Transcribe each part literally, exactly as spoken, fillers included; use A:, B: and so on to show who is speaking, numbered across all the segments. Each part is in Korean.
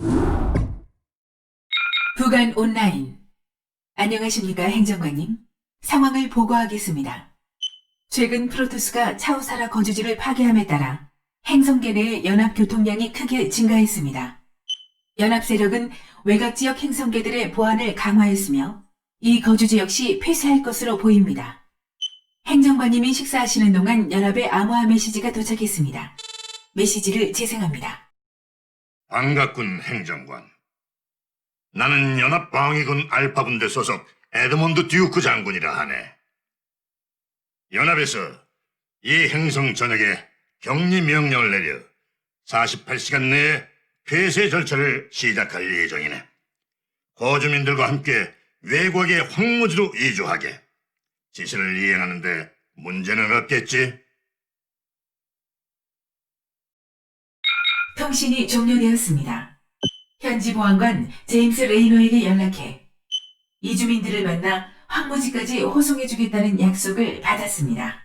A: 부간 온라인. 안녕하십니까, 행정관님. 상황을 보고하겠습니다. 최근 프로토스가 차우사라 거주지를 파괴함에 따라 행성계 내의 연합 교통량이 크게 증가했습니다. 연합 세력은 외곽 지역 행성계들의 보안을 강화했으며 이 거주지 역시 폐쇄할 것으로 보입니다. 행정관님이 식사하시는 동안 연합의 암호화 메시지가 도착했습니다. 메시지를 재생합니다.
B: 반갑군, 행정관. 나는 연합방위군 알파분대 소속 에드몬드 듀크 장군이라 하네. 연합에서 이 행성 전역에 격리 명령을 내려 사십팔 시간 내에 폐쇄 절차를 시작할 예정이네. 거주민들과 함께 외곽의 황무지로 이주하게. 지시를 이행하는데 문제는 없겠지?
A: 통신이 종료되었습니다. 현지 보안관 제임스 레이너에게 연락해 이주민들을 만나 황무지까지 호송해주겠다는 약속을 받았습니다.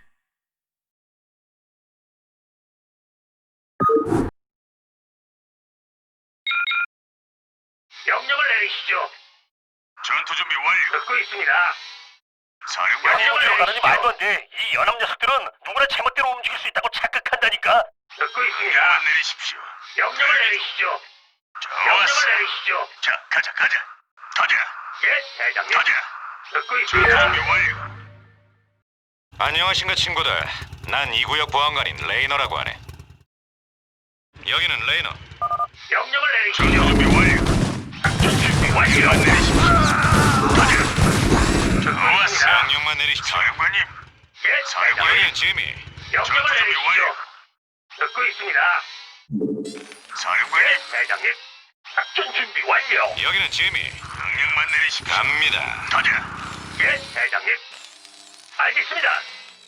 C: 명령을 내리시죠.
B: 전투 준비 완료.
C: 듣고 있습니다.
B: 사령관님,
C: 어디로 가느니 말도 안 돼. 이 연합 녀석들은 누구나 제멋대로 움직일 수 있다고 착각한다니까. 듣고 있습니다.
B: 명령만 내리십시오.
C: 명령을 내리시죠. 명령을
B: 좋았어.
C: 내리시죠.
B: 자, 가자, 가자. 가자,
C: 예, 대장님.
B: 가자.
C: 듣고
B: 전투
C: 있습니다.
B: 준비 완료.
D: 안녕하신가 친구들. 난 이 구역 보안관인 레이너라고 하네. 여기는 레이너.
C: 명령을
B: 전투
C: 내리시죠.
B: 준비 완료.
C: 준비 완료.
B: 명령만 내리십시오. 가자.
C: 좋았어.
D: 명령만 내리십시오.
B: 사령관님,
C: 예, 대장님.
D: 여기는 지미.
C: 명령을
B: 전투 준비
C: 내리시죠.
B: 완료.
C: 듣고 있습니다.
B: 사령관님,
C: 예, 대장님. 작전 준비 완료.
D: 여기는 지미.
B: 명령만 내리십시오.
D: 갑니다.
B: 가자.
C: 예, 대장님. 알겠습니다.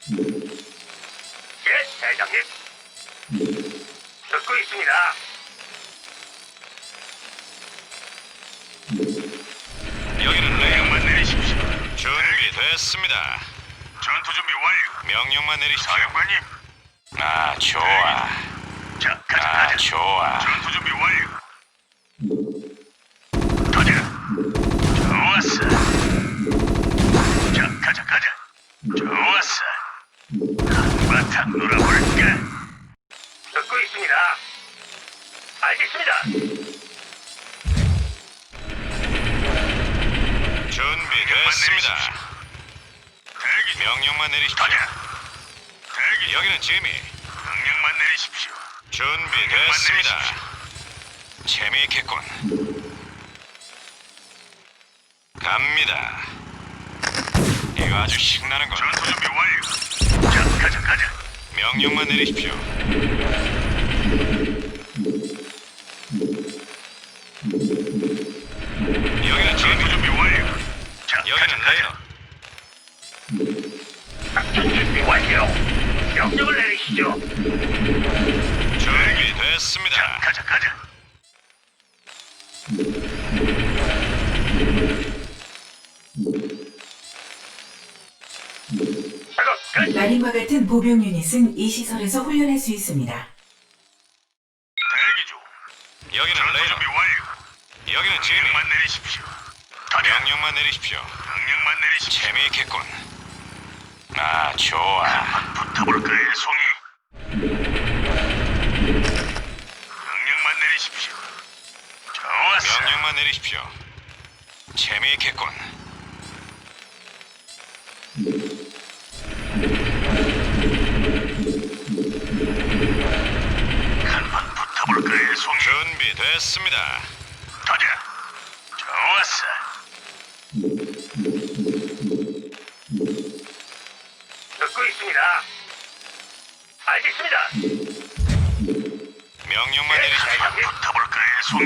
C: 예, 대장님. 듣고 있습니다.
D: 여기는 레이너.
B: 명령만 내리십시오.
D: 준비됐습니다.
B: 전투 준비 완료.
D: 명령만 내리십시오.
B: 사령관님,
D: 아, 좋아.
B: 자, 가자,
D: 아,
B: 가자.
D: 좋아.
B: 전투 준비 완료. 가자. 좋았어. 자, 가자, 가자. 좋았어. 한바탕 놀아볼까?
C: 듣고 있습니다. 알겠습니다.
D: 준비됐습니다.
B: 대기 중.
D: 명령만 내리십시오.
B: 가자. 대기 중.
D: 여기는 지미.
B: 명령만 내리십시오.
D: 준비됐습니다. 재미있겠군. 갑니다. 이거 아주 신나는 건.
B: 전투 준비 완료. 자, 가자, 가자.
D: 명령만 내리십시오. 여기는
B: 전투
D: 지미.
B: 준비 완료. 자, 가자,
D: 여기는
B: 가자.
D: 레이너.
C: 작전 준비 완료. 명령을 내리시죠.
D: 준비됐습니다.
B: 가자, 가자.
C: 작업 끝.
A: 마린과 같은 보병 유닛은 이 시설에서 훈련할 수 있습니다.
B: 대기 중.
D: 여기는
B: 전투
D: 레이너.
B: 준비 완료.
D: 여기는 지미.
B: 명령만 내리십시오. 가자.
D: 명령만 내리십시오.
B: 명령만 내리십시오.
D: 재미있겠군. 아, 좋아.
B: 붙어볼까요, 송이? 명령만 내리십시오. 좋았어.
D: 명령만 내리십시오. 재미있겠군.
B: 한번 붙어볼까요, 송이?
D: 준비됐습니다.
B: 가자. 좋았어.
C: 듣고 있습니다. 알겠습니다.
D: 명령만
C: 예,
D: 내리십시오.
C: 대장님.
B: 붙어볼까요, 송이?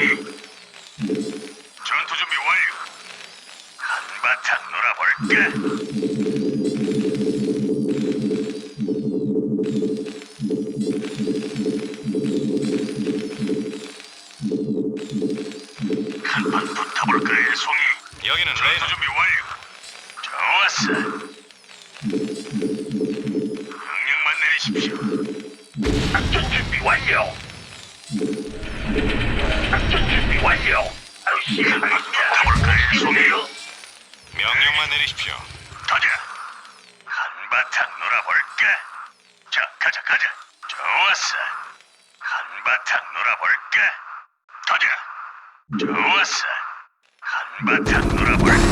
B: 전투 준비 완료. 한바탕 놀아볼까? 한번 붙어볼까요, 송이?
D: 여기는
B: 전투
D: 레이너.
B: 준비 완료. 좋았어. 명령만 내리십시오.
C: 작전 준비 완료. 작전 준비 완료. 바로 시행하겠습니다. 붙어볼까요, 송이요?
D: 명령만 내리십시오.
B: 가자. 한바탕 놀아볼까? 자, 가자, 가자. 좋았어. 한바탕 놀아볼까? 가자. 좋았어. 한바탕 놀아볼까?